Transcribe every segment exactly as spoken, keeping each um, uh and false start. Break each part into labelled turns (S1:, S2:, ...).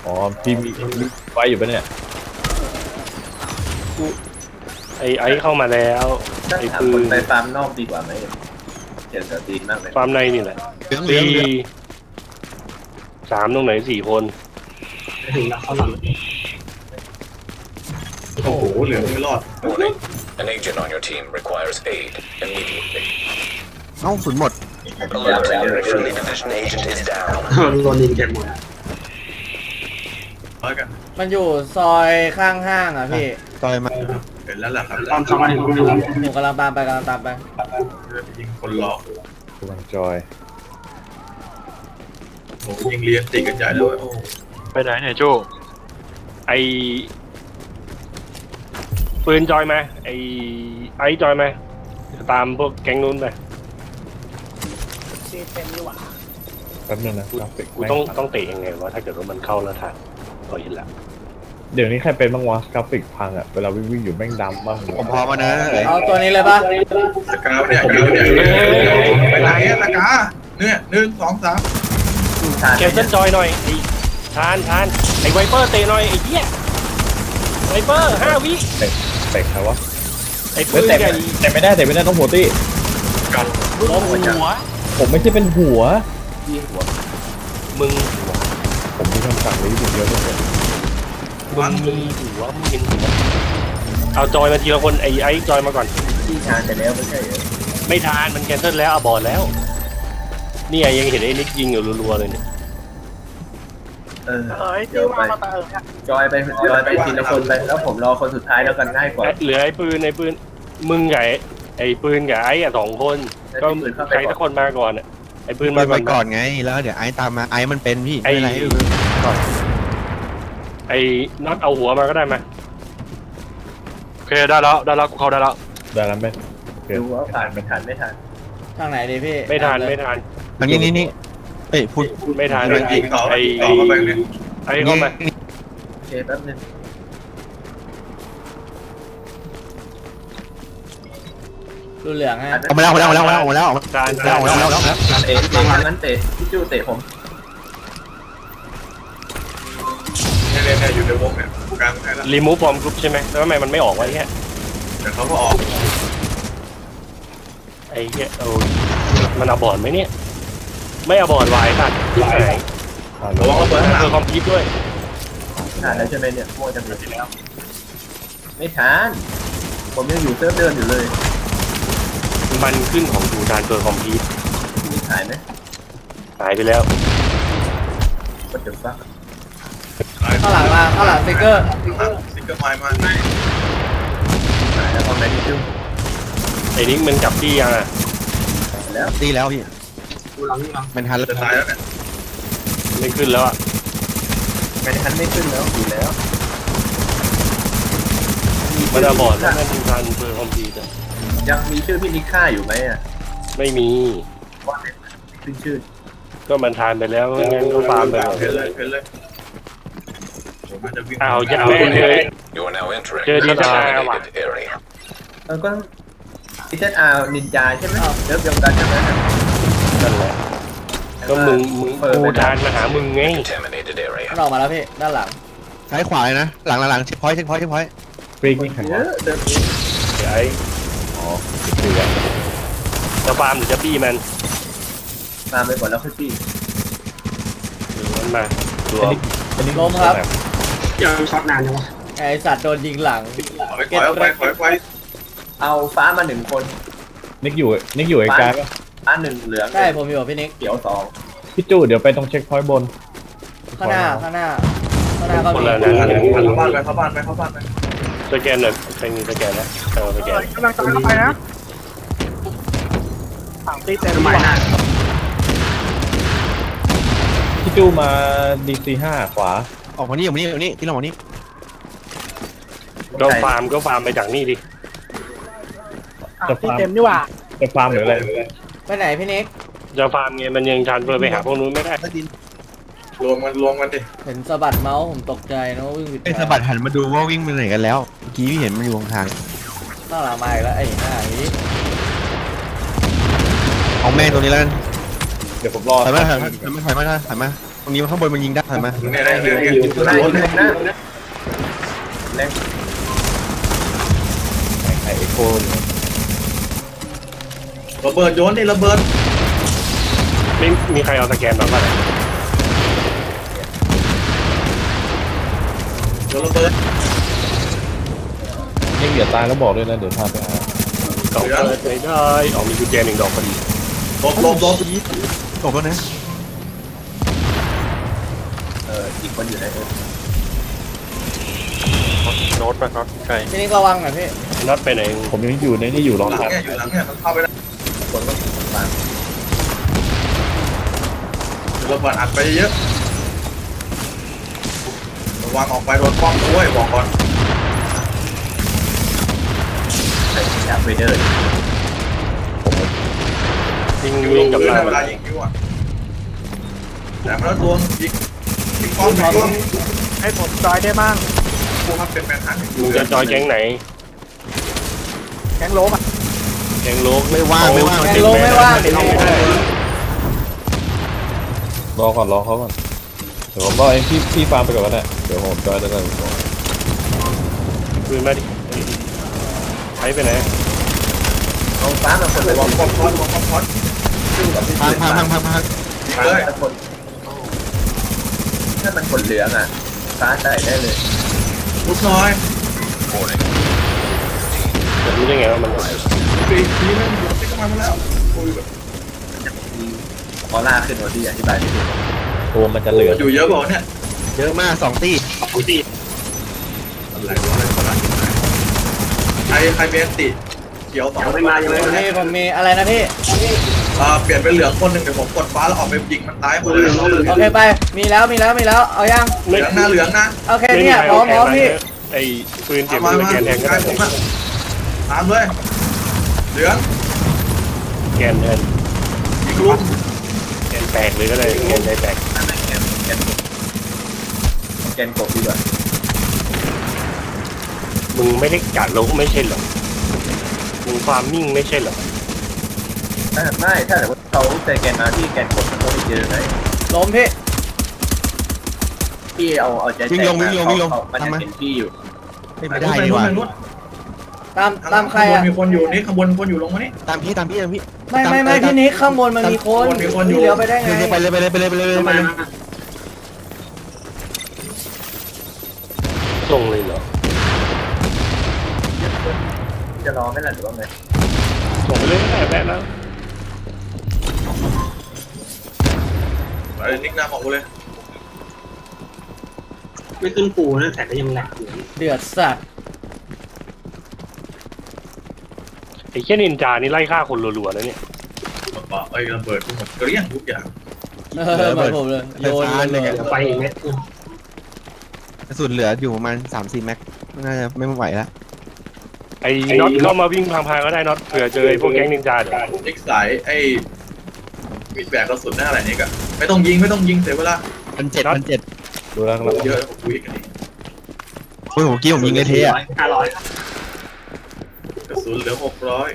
S1: อ๋อพี่มีมีไฟอยู่ปะเนี่ย
S2: ไอ้ไอ้เข้ามาแล้ว
S3: ถ้า
S2: ไอ้
S3: ถาม
S2: ปื
S3: คน
S2: น
S3: ไปฟาร์มนอกดีกว่าไหมเจ็ดสตีนมากเลย
S2: ฟาร์มในนี่แหละ
S4: เหลืองเหลือง
S2: สี่
S4: เหลือง
S2: สามตรงไหนสี่คน
S5: ถึงแล้วเข้าหลัง
S6: โอ้โหเหลืองไม่รอด
S7: Warning. An agent on your team requires aid immediately.
S4: เอ้าศูนย์หมด
S7: Alert. Friendly division agent is down.
S5: โดนยิงเก็บหมด
S6: ร้อยกัน
S8: มันอยู่ซอยข้างห้างอ่ะพี่
S4: ต่อยมา
S6: เห็นแล้วล่ะครับ
S5: ตามสบายของมัน
S8: ผมกำลังตามไปกำลังตามไป
S6: ยิงคนหลอก
S1: กำลังจอย
S6: โอ้ยิงเลี้ยงติดกระจายเลยโอ้
S2: ไปไหนเนี่ยโจไอ้ปืนจอยมาไอ้ไอ้จอยมาตามพวกแก๊งนู้นไป
S1: แป๊บนึงนะกราฟิก
S2: กูต้องต้องเตะยังไงวะถ้าเกิดว่ามันเข้าแล้วทันก็เห็นละ
S1: เดี๋ยวนี้ใครเป็นบ้างวะกราฟิกพังอ่ะเวลาวิ่งวิ่งอยู่แม่งดำบ้าง
S4: ผมพร้อมมานะเอ้ย
S8: เอาตัวนี้เลยปะ
S6: ตะกาเนี่ยกาเนี่ยไปไหนอะตะกาเนี่ยหนึ่งสองสาม
S2: แคปเซิลจอยหน่อยไอ้ทานทานไอ้ไวเปอร์เตะหน่อยไอ้เหี้ยไวเปอร์ห้าวิ
S1: เตะเตะใครวะ
S2: ไอ้ปื
S1: เฮ้ย
S2: น
S1: เตะ
S2: ใหญ่
S1: เตะไม่ได้เตะไม่ได้ต้องหัวตี้
S2: ล้มหัว
S1: ผมไม่ใช่เป็นหัว
S3: ที่หัว
S2: มึง
S1: ผมมีคำสั่งนี้อยู่เดียวทุกคน
S2: มึงมีหัวมึงเห็นหัวเอาจอยมาทีละคนไอ้ไอ้จอยมาก่อน
S3: ที่ทานไปแล้วไม่ใช่เหรอ
S2: ไม่ทานมันแคนเซิลแล้วอะบอดแล้วนี่ไงยังเห็นไอ้นิกยิงอยู่รัวๆเลยเนี่ย
S3: เออเดี๋ยวไปจอยไปจอยไปทีละคนไปแล้วผมรอคนสุดท้ายแล้วกันง่ายกว่า
S2: เหลือไอ้ปืนไอ้ปืนมึงไงไอ้ปืนกับไอ้อะสองคนก็ใครสักคนมาก่อนอะไอ้ปืน
S4: มา
S2: มา
S4: ไป
S2: ก่
S4: ก่
S2: อ
S4: อน นไงแล้วเดี๋ยวไอ้ตามมาไอ้มันเป็นพี่
S2: ไอ้
S4: ไม่เป็นไรก่อน
S2: ไอ้น็อตเอาหัวมาก็ได้มาโอเคได้แล้วได้แล้วกูเข้าได้แล้ว
S1: ได้แล้วไหมโอเค
S3: ดูว่าผ่านไม่ทันไม่ทัน
S8: ทางไหนดีพี่
S2: ไม่ทานไม่ทาน
S4: ทางนี้นี่นี่เอ้ยพูด
S2: ไม่ทาน
S6: ไปยิงต่อ
S2: ไอ้
S6: ต่อเข้าไปเนี่ย
S2: ไอ้เข้ามา
S3: โอเคแป๊บนึง
S8: ดูเหลืองฮะ
S4: เอามาแล้วเอามาแล้วเอามาแล้วเอามาแล้วเอามา
S2: ทาน
S4: แล้ว
S2: ทาน
S4: เอามาแล้วเอามาแล้ว
S3: เตะเตะงั้นเตะพี่จู้เตะผม
S6: เนี่ยเนี่ยอยู่ในวงเนี่ยกลางให้แล้ว
S2: รีมูฟฟอร์มกรุ๊ปใช่ไหมแล้วทำไมมันไม่ออกวะเนี่ย
S6: เดี๋ยวเขาก็ออก
S2: ไอ้เหี้ยเออมันเอาบอร์ดไหมเนี่ยไม่เอาบอร์ดไว้ตัดที่ไหน
S1: อ่า
S6: ระวังเขาเปิดข้างหลั
S2: เพื่อง คอมพิวด้วย
S3: ทานแล้วใช่ไหมเนี่ยโม่จะมีแล้วไม่ทันผมยังอยู่เซิร์ฟเดิมอยู่เลย
S2: มันขึ้นของดูดานเพื่อคอมพิว
S3: มีขายไหม
S2: หายไปแล้ว
S3: ก็จะฟัก
S8: ข้างหลังมาข้างหลังสติ๊กเกอร์
S6: สติ๊กเกอร์ไม้มา
S3: ขายแล้วตอนไหนพี่จู้
S2: ไอ้นิกมันกลับที่ยังอ่ะ
S3: แล้ว
S4: ตีแล้วพี่
S5: ดูหลังนี่หลัง
S4: มันทันแล้ว
S6: จะตายแล้วเนี่ย
S2: ไม่ขึ้นแล้วอ่ะ
S3: ไม่ทันไม่ขึ้นแล้วอยู่แล้ว
S2: มันเอาบอร์ดแล้วมันทานเพื่อคอมพิวต์
S3: ยังมีชื่อพี่นิค่าอยู่ไหมอ่ะ
S2: ไม่มี
S3: ว่าขึ้นชื่อ
S2: ก็มันทานไปแล้วงั้นก็ฟาร์มไปก่อน
S6: เห็นเลยเห็นเลยผมน่าจะวิ่ง
S2: อ้าวยัดแม่เลย
S7: You are now entering
S2: Chơi đi
S7: the
S2: ra ngoài.
S7: designated area.
S3: เออก็พีเซอาร์นินจาใช่ไหมเริ่มเดียวกันใช่ไหม
S2: นั่นแหละก็มึงมึงกูทานมาหามึงไง
S7: Contaminated
S8: มัน
S7: area.
S8: ออกมาแล้วพี่ด้านหลัง
S4: ซ้ายขวาเลยนะหลังหลังหลังเช็คพอยต์เช็คพอยต์เช็คพอยต์
S1: ฟรีกนี่ใคร
S3: เยว
S1: ะ
S3: อะเดิม
S2: เดี๋ยวไอ้อ๋อคืออะจะฟาร์มหรือจะบี้มัน
S3: ตามไปก่อนแล้วค่อยพี่
S2: หรือมันมาตัว
S1: อันนี้
S8: ล้มครับ
S5: ยังช็อตนานยังวะ
S8: ไอสัตว์โดนยิงหลัง
S6: ถอยถอยออกไปถอยไป
S3: เอาฟ้ามาหนึ่งคน
S1: นิกอยู่นิกอยู่ไอ้กายปะ
S3: ฟ้าหนึ่งเหลือง
S8: ใช่ผมอยู่กับพี่นิก
S3: เขียวสอง
S1: พี่จู้เดี๋ยวไปตรงเช็คพอยต์บน
S8: ข้างหน้าข้างหน้าข้างหน้าก็
S2: คน
S8: มี
S2: ละ
S6: เข้า
S2: นะ
S6: บ้านไปเข้าบ้านไปเข้าบ้านไป
S2: สแกนหน่อยใครมีสแกนนะเออสแกน
S5: กำลังจะเข้าไปนะฝั่งตีเต็มใหม่นะ
S1: พี่จู้มาดีซีห้าขวา
S4: ออกมานี่ออกมานี่ออกมานี่พี่ลองมานี่
S2: ก็ฟาร์มก็ฟาร์มไปจากนี่ดิ
S5: ตีเต็มนี่หว่า
S1: จะฟาร์มหรืออะไร
S8: ไปไหนพี่นิก
S2: จะฟาร์มไงมันยังทานเพื่อไปหาพวกนู้นไม่ได้
S6: รวมกันรวมกันดิ
S8: เห็นสะบัดเมาส์ผมตกใจนะว่าวิ่งผิด
S4: ไอ้สะบัดหันมาดูว่าวิ่งไปไหนกันแล้วเมื่อกี้พี่เห็นมันอยู่ทาง
S8: ข้างหลังมาอีกแล้วไอ้หน้านี้
S4: เอาแม่งตัวนี้แล้วกัน
S1: เดี๋ยวผมรอ
S4: ถอยมาถอยมาถอยมาถอยมาถอยมาตรงนี้ข้างบนมันยิงได้เห็นไหม
S6: เนี่ยได้เห็นเห็น
S3: อยู่ไหนอยู่ไหนนะเล็ก
S1: ไอเอ็กโคเนี่ย
S6: ระเบิดโยนดิระเบิด
S2: ไม่มีใครเอาสแกนมาป่ะเนี่ย
S6: โยนระเบิด
S1: ยังเหลือตายแล้วบอกด้วยนะเดี๋ยวพาไปหา
S2: กล่องเปิดไม่ได้อ๋อมีกุญแจหนึ่งดอกพอดี
S6: หลบหลบหลบ
S4: ตกแล้วนะ
S3: เอออีกคนอยู่ไหนเออ
S2: โน้ตป่ะน็อตใช่
S8: พี่นิกระวังหน่อยพี่
S2: น็อตไปไหน
S1: ผมยังอยู่ในนี่อยู่รอ
S6: หลัง
S1: ทับ
S6: เนี่ยอยู่หลังเนี่ยมันเข้าไปได้
S3: คนก็บาง
S6: ระเบิดอัดไปเยอะระวังออกไปโดนป้อมด้วยบอกก่อน
S3: ใส่ยาเวเดอร์
S2: ยิง
S6: ยิง
S2: ยิ
S6: ล
S2: ง
S6: ง
S2: กับ
S6: พื้น
S2: เรา
S6: เวลายิงคิวอ่ะแต่มันแล้วตัวยิงยิงป้อมยิงป้อม
S5: ให้ผมจอยได้บ้าง
S6: พวกมันเป็นแมนฮัน
S2: มึงจะจอยแก๊งไหน
S5: แกงโล้มอ่ะ
S2: แก๊งโลก
S4: ไม่ว่างไม่ว่าง
S8: แกงโลไม่ว่างเดี๋ยว
S2: เข้า
S8: นี้
S2: ไม่ได้
S1: รอก่อนรอเขาก่อนเดี๋ยวผมรอเองพี่พี่ฟาร์มไปก่อนก็ได้เดี๋ยวผมจอยแล้วกัน
S2: คืนมาดิใช้ไปไหน
S3: ลองฟ้ามาคนเลย
S6: วางป้อมพอดวางป้อมพอด
S3: ซึ่งกับพี่
S4: พังพังพังพังพัง
S6: ยิงเลย
S3: ถ้าคนถ้ามันคนเหลืองอ่ะฟ้าใส่ได้เลย
S6: ลุกน้อย
S7: Warning.
S2: จะรู้ได้ไงว่ามัน
S6: ปีกทีนึงอยู่ติ๊กมาแล้วโอ้ยแบบ
S3: ออร่าขึ้นวันที่อธิบายไม่ถูก
S1: ตัวมันจะเหลือ
S6: อยู่เยอะบอกเนี่ย
S4: เยอะมากสองตี
S6: อะไรวะอะไรคนละใครใครเมนติเขียวสองไม่มายัง
S8: ผมมีผมมีอะไรนะพี่
S6: อ่าเปลี่ยนเป็นเหลืองคนหนึ่งเดี๋ยวผมกดฟ้าแล้วออกไปยิงมันตายหมดเลย
S8: โอเคไปมีแล้วมีแล้วมีแล้วเอายัง
S6: เหลืองนะเหลืองนะ
S8: โอเคเนี่ยพร้อมพร้อมพี่
S2: ไอ้ปืนเก็บ
S6: มา
S2: ส
S6: มา
S2: แกนแทงก็
S6: ใกล้
S2: ได้
S6: ผมอะตามเลยเหลือง
S2: แกนแทน
S6: ยิงลุก
S2: แกนแตกเลยก็ได้แกนใจแตก
S3: นั่นแหละแกนแกนแกนกบดีกว่า
S2: มึงไม่ได้กัดโลกไม่ใช่เหรอมึงฟาร์มมิ่งไม่ใช่เหรอ
S3: ถ้าไม่ถ้าแต่ว่าเขาใส่แกนมาที่แกนกบมันก็ไม่เจอไหม
S8: ล้มพี่
S3: พี่เอาเอาใจแตกมาเขามันจะเป็นพี่อยู่
S4: ไม่ได้ดีกว่า
S8: ตามตามใคร
S6: ข้างบน
S8: อ่ะ
S6: มีคนอยู่นี่ข้างบนคนอยู่ลงมานี่
S4: ตามพี่ตามพี่ตามพี่
S8: ไม่ไม่ไม่พี่นิกข้างบนมันมีคน
S6: มีคนอยู่
S8: พี่เลี้ยวไปได้ไง
S4: ไปเลยไปเลยไปเลยไปเลยไปเลย
S2: ส่งเลยเหรอ
S3: จะรอไหมล่ะหรือว่าไง
S2: ส่งไปเลยก็ได้แป๊ะแล้ว
S6: ไอ้นิกน้ำออกเลย
S5: ไม่ขึ้นปูนะแต่ก็ยังแหลกอยู่
S8: เดือดสัตว์
S2: ไอ้แค่นินจานี่ไล่ฆ่าคนรัวๆนะเนี่ย
S6: ไอ้ระเบิดทุกหมดเกลี้ยงทุกอย่าง
S8: เออเหมือนผมเลยโยนเลย
S5: ไปอีกเม็ด
S4: กระสุนเหลืออยู่ประมาณสามสี่แม็กน่าจะไม่ไหวแล้ว
S2: ไอ้น็อตเข้ามาวิ่งพังๆก็ได้น็อตเผื่อเจอไอ้พวกแก๊งนินจาเดี๋ยว
S6: นิกสายไอ้มีดแบกกระสุนหน้าอะไรนี่กะไม่ต้องยิงไม่ต้องยิงเสียเวลา
S4: พันเจ็ดพันเจ็ด
S1: ดูแล้วครับ
S6: เยอะผมคุยกันนี่
S4: โอ้ยผมกี้ผมยิงไอ้เทอะ
S5: ห้าร้อย
S6: กระสุนเหลือหกร้อย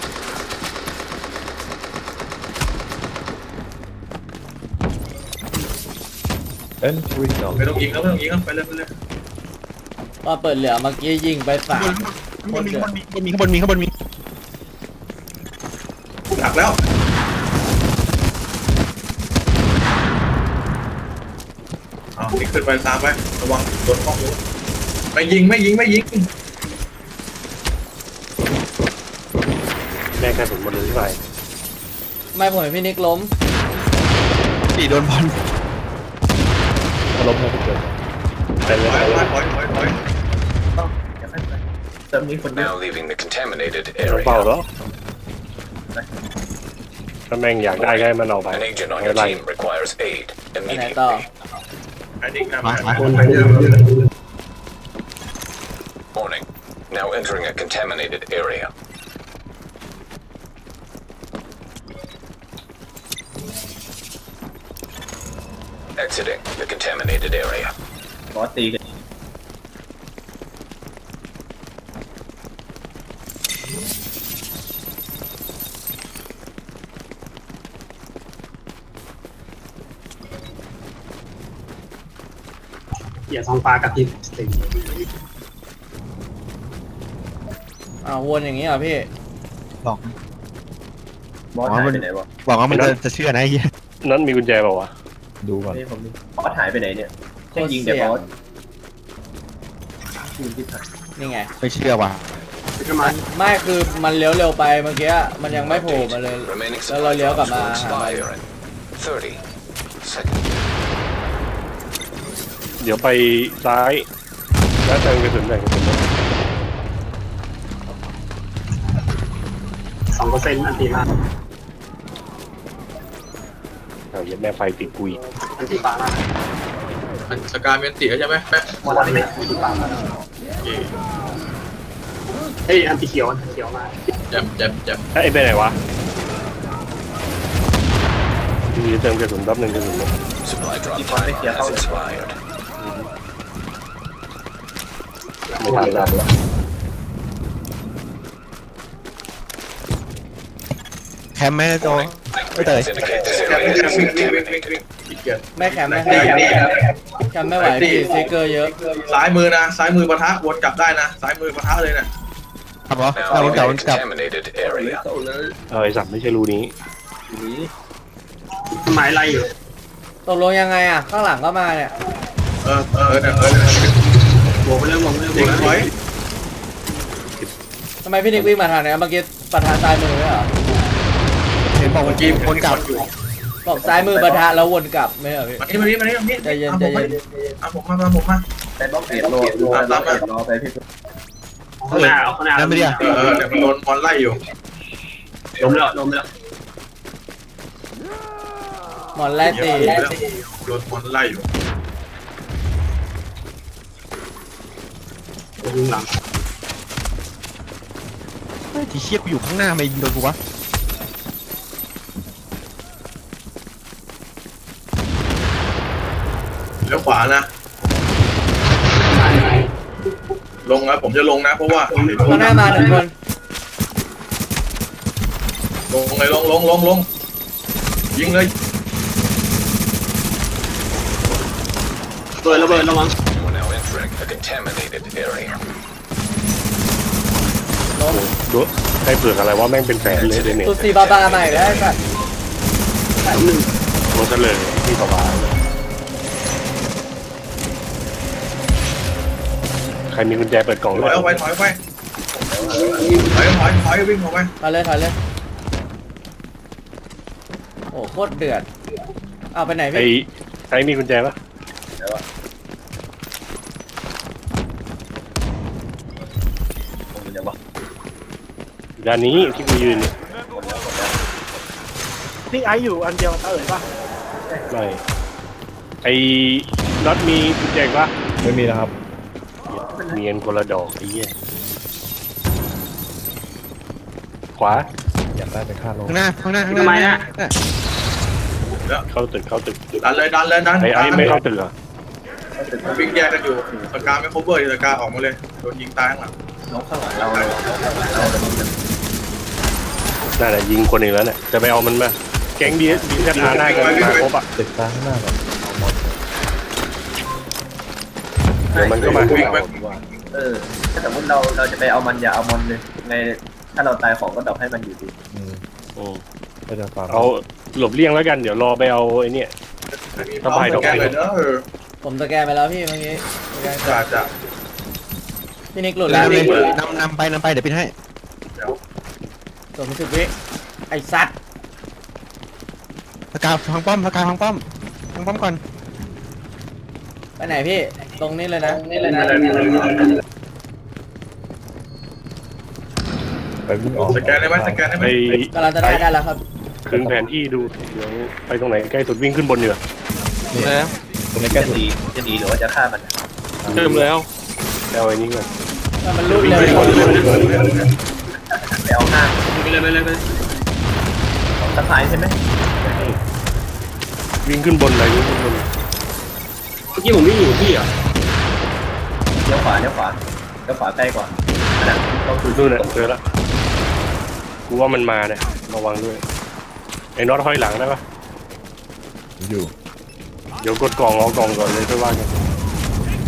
S1: เอ็นทรีนอ
S6: ไม่ต้องยิงแล้วไม่ต้องยิงแล้วไปเลยไปเลย
S8: ว่าเปิดเหลือเมื่อกี้ยิงไปสาม
S4: ข้างบนมีข้างบนมีข้างบนมีข้างบนมี
S6: หนักแล้วเอานี่ขึ้นไปตามไประวังโดนป้องรู้ไม่ยิงไม่ยิงไม่ยิง
S2: แม่กระสุนหมดเลยที่ไป
S8: ไม่ผมเห็นพี่นิกล้ม
S4: ตีโดนบอล
S1: ถ้าล้มให้ทุกคน
S2: ไปเลย
S6: ถอย
S2: ไป
S6: ถ
S2: เล
S6: อย
S2: ย
S6: ถอยถอยถอย
S3: ต้องอย่าให้ไปเติมนี้คนเดียว
S7: Now leaving the contaminated
S2: เราเปล่า
S7: area.
S2: แล้วถ้าแม่งอยากได้ก็ให้มันเอาไป
S7: An agent on
S2: ไม่
S7: your
S2: ไร
S7: team requires aid
S8: ไปไหนต่อ
S7: immediately.
S6: ไอ้นิกนำมา
S7: Warning. Now entering a contaminated area. Exiting the contaminated area.
S3: บอสตีกัน
S5: อย่าท้องฟ้ากับที่สิง
S8: อ้าววนอย่างนี้เหรอพี่
S4: บอก
S3: บอสหายไปไหนวะ
S4: บอกว่ามันจะจะเชื่อนะไอ้เหี้ย
S2: นั้นมีกุญแจเปล่าวะ
S1: ดูก่อน
S3: นี่ผมบอสหายไปไหนเนี่ย
S8: โค
S3: แค่
S8: ตร
S3: ยิงแต่
S8: เสี่ย
S3: บ
S8: ง
S3: อสยิงที่ผ่าน
S8: นี่ไง
S4: ไม่เชื่อว่ะ
S5: ทำไม
S8: ไม่คือมันเลี้ยวเร็วไปเมื่อกี้มันยังไม่โผล่มาเลย
S7: Remaining
S8: แล้วเรา
S7: supply
S8: เลี้ยวกลับ
S7: drops
S8: มา
S7: will
S8: หามัน
S7: expire in thirty seconds.
S2: เดี๋ยวไปซ้ายแล้วเติมกระสุนหน่อยกระสุนหน่อย
S5: สองเปอร์เซ็นต์อันตีมา
S2: เอาเย็ดแม่ไฟติดกุย
S5: อันตีฟ้ามา
S6: มันสกาเมนติใช่ไหมแป๊ะ
S3: บอสไม่
S5: อันตีฟ้ามา
S6: โอเค
S5: เฮ้ยอันตีเขียวอันตีเขียวมา
S6: แจ็บแจ็บแจ็บ
S2: เอ้ยไปไหนวะมีเติมกระสุนแป๊บหนึงกระสุนหมด
S7: Supply drop timer has expired.
S2: ไม่ทันแล้ว
S4: แคมป์แม่โจไม่เตย
S7: Readings indicate this
S6: แจ็บ
S7: area
S6: แจ็บ
S7: is
S6: วิ่งวิ่งวิ่ง
S7: contaminated.
S6: วิ่งอีกเกียร์
S8: ไม่แคมไม่แคมแคมไม่ไหวพี่ซิกเกอร์เยอะ
S6: ซ้ายมือนะซ้ายมือปะทะวนกลับได้นะซ้ายมือปะทะเลยนะครับ
S4: เหรอ
S7: Now
S4: เรา
S7: in
S4: กลับ
S7: a
S4: กลับ
S7: contaminated area.
S2: เออไอสัตว์ไม่ใช่รูนี้
S5: หมายอะไรอยู่
S8: ตกลงยังไงอ่ะ ข้างหลังก็มาเนี่ย
S6: เออเออเนี่ยเออ
S5: บวกไปเรื่องบวกไปเรื่องบ
S6: เด็
S5: ว
S6: ก
S5: กไป
S6: ถอย
S8: ทำไมพี่นิกวิ่งมาทางเนี้ยเมื่อกี้ประธานซ้ายมือไม่เหรอ
S4: เห็นบอกเมื่อกี้คนกลับ
S8: บอกซ้ายมือประธานแล้ววนกลับไม่เหรอพี่
S6: มานี่มานี่มานี่มานี่
S8: ใจเย็นใจเย็น
S6: เอาผมมาเอาผมมา
S3: แต่บล็อกเอ็ดรอรอรอเอ็ดรอไปพี่
S5: ข้างหน้าเอาข้างหน้า
S4: นั่นไม่ได้
S6: เออเออเดี๋ยวมันโดนบอลไล่อยู่
S5: ล้มแล้วล้มแล้ว
S8: หมอนไล่ตี
S6: โดนบอลไล่อยู่
S5: ยิงหลัง
S4: ที่เชี่ยกูอยู่ข้างหน้าไม่ยิงโดนกูวะ
S6: เลี้ยวขวานะ ลงนะผมจะลงนะเพราะว่า
S8: ข้างหน้ามาหนึ่งคน
S6: ลงเลยลงลงลงลงยิงเลย
S5: เปิดระเบิดระวัง
S7: We're now entering a contaminated area.
S2: ดูใครเปลือกอะไรว่าแม่งเป็นแสนเลยเดนเน็ต
S8: ตุสีบาบาใหม่แล้วไอ้สัตว์
S5: หนึ่ง
S2: โรสเลยที่สบายเลยใครมีกุญแจเปิดกล่อง
S6: ถ
S2: ด้
S6: อ
S2: วย ย
S6: เอาไปถอยไปถอยถอยถอยวิ่งออกไป
S8: ถอยเลยถอยเลยโอ้โคตรเดือดเอาไปไหน
S2: ไอ้
S8: พี่
S2: ใครมีกุญแจปะ
S3: ผมจะบอก
S2: ด้านนี้ที่กูยืนเนี่ย
S5: นี่ไออยู่อันเดียวเอ๋ยป่ะ
S2: ไม่ไอ้น็อตมีกุญแจปะ
S1: ไม่มีนะครับ
S2: เนียนคนละดอกไอ้เหี้ยขวา
S1: อยากได้ไปฆ่าโลก
S4: ข้างหน้าข้างหน้าข้างหน้า
S5: ทำไมอ่ะ
S2: เข้าตึกเข้าตึก
S6: ดันเลยดันเลยดัน
S2: ไอ้ไอ้ไม่เข้าตึกเหรอ
S6: วิ่งแยกกันอยู่สกาไม่ cover สกาออกมาเลยโดนยิงตายข้างหลัง
S3: น้องข้างหลังเราเราเราจะมี
S2: นั่นแหละยิงคนหนึ่งแล้วเนี่ยจะไปเอามันมาแก๊งดีดีแค่ทาหน้ากันมาครบอ่ะ
S1: ตึกซ้ายข้างหน้าก่อนเอาหมด
S2: เดี๋ยวมันก็มา
S6: วิ่งไป
S3: เออถ้าสมมติเราเราจะไปเอามันอย่าเอามันเลยไงถ้าเราตายของก็ดรอปให้มันอยู่ดี
S1: อืม
S2: อืม
S1: ก็จะฟัง
S2: เอาหลบเลี่ยงแล้วกันเดี๋ยวรอไปเอาไอ้เนี่ย
S6: สบายดอกไม้เลยเนอะเออ
S8: ผมสแกนไปแล้วพี่เมื่อกี้สแกน
S6: จ้าจ้า
S8: พี่นิกหลุด
S4: แล้
S8: แล้ว ว
S4: เลยนำนำไปนำไปเดี๋ยวปิดให้
S8: ตัวมันสิบวิไอ้สัตว์
S4: สกาพังป้อมสกาพังป้อมพังป้อมก่อน
S8: ไปไหนพี่ตรงนี้เลยนะ
S5: นี่เลยนะ
S1: ไปวิ่งออก
S6: สแกนได้ไหมสแกนได้ไหม
S2: ไป
S8: กำลังจะได้ได้แล้วครับ
S2: คืนแผนที่ดูเดี๋ยวไปตรงไหนใกล้สุดวิ่งขึ้นบนเหนือ
S1: นี่
S4: แล้ว
S1: ตรงนี้แก้
S3: จะ
S1: สุด
S3: ดีจะดีหรือว่าจะฆ่ามัน
S2: เริ่มแล้วเอาไอ้นี่ก่อน
S8: ถ้ามันรูด
S2: วิ่ง
S8: เร็ว
S2: ขึ้นบนเลย
S3: ไปเอาหน้า
S5: ไปเลยไปเลยไปเลย
S3: ของสะพายใช่ไหม
S2: วิ่งขึ้นบนเลยวิ่งขึ้นบน
S5: เมื่อกี้ผมวิ่งอยู่ที่อ่ะ
S3: เลี้ยวขวาเลี้ยวขวาเลี้ยวขวาใกล้กว่าอันนั้นต้องคือ
S2: นู่นน่ะเจอละกูว่ามันมาเนี่ยระวังด้วยไอ้น็อตห้อยหลังได้ปะ
S1: อยู่
S2: เดี๋ยวกดกล่องเอากล่องก่อนเลยค่อยว่ากัน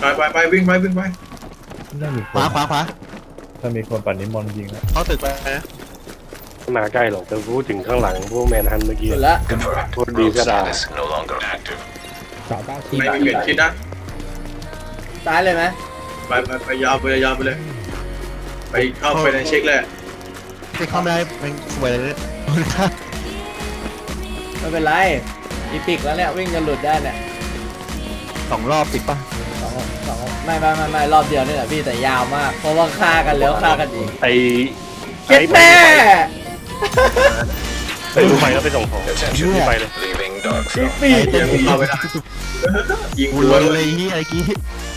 S6: ไปไปวิ่งไปวิ่งไป
S1: น่ามีค
S4: ขวาน ขวาขวา
S1: ถ้ามีคนปั่นนิมนต์ยิงนะ
S4: เข้าตึกไปนะ
S2: ไม่มาใกล้หรอกแต่พูดถึงข้างหลังพวกแมนฮันเมื่อกี้
S8: สุดละ
S7: Confirmed.
S2: What
S7: Rogue
S2: is that?
S7: status no longer active.
S6: ไม่มีเปลี่ยนคิดนะ
S8: ซ้ายเลยไหม
S6: ไปไปไปยาวไปยาวไปเลย ไปเข้าไปในเช็คเลย
S4: ไปเข้าไม่ได้เป็นสวยเลยเนี่ย
S8: ไม่เป็นไรอีพิกแล้วเนี่ยวิ่งกันหลุดได้เนี่ย
S4: สองรอบติดปะ
S8: สองสองไม่ไม่ไม่ไม่รอบเดียวนี่แหละพี่แต่ยาวมาก เพราะว่าฆ่ากันแล้วฆ่ากันอีก
S2: ไอ้
S8: เจ็บแม่
S2: ไอ้ดูไปแล้วไปส่งของ
S7: Attention.
S2: ไปเลย
S7: Leaving dark
S8: อี
S7: zone.
S8: ปีก
S6: เข้าไปได้ยิง
S4: กู
S6: รั
S4: เล
S6: วย เลย
S4: เลยเฮียไอ้กี้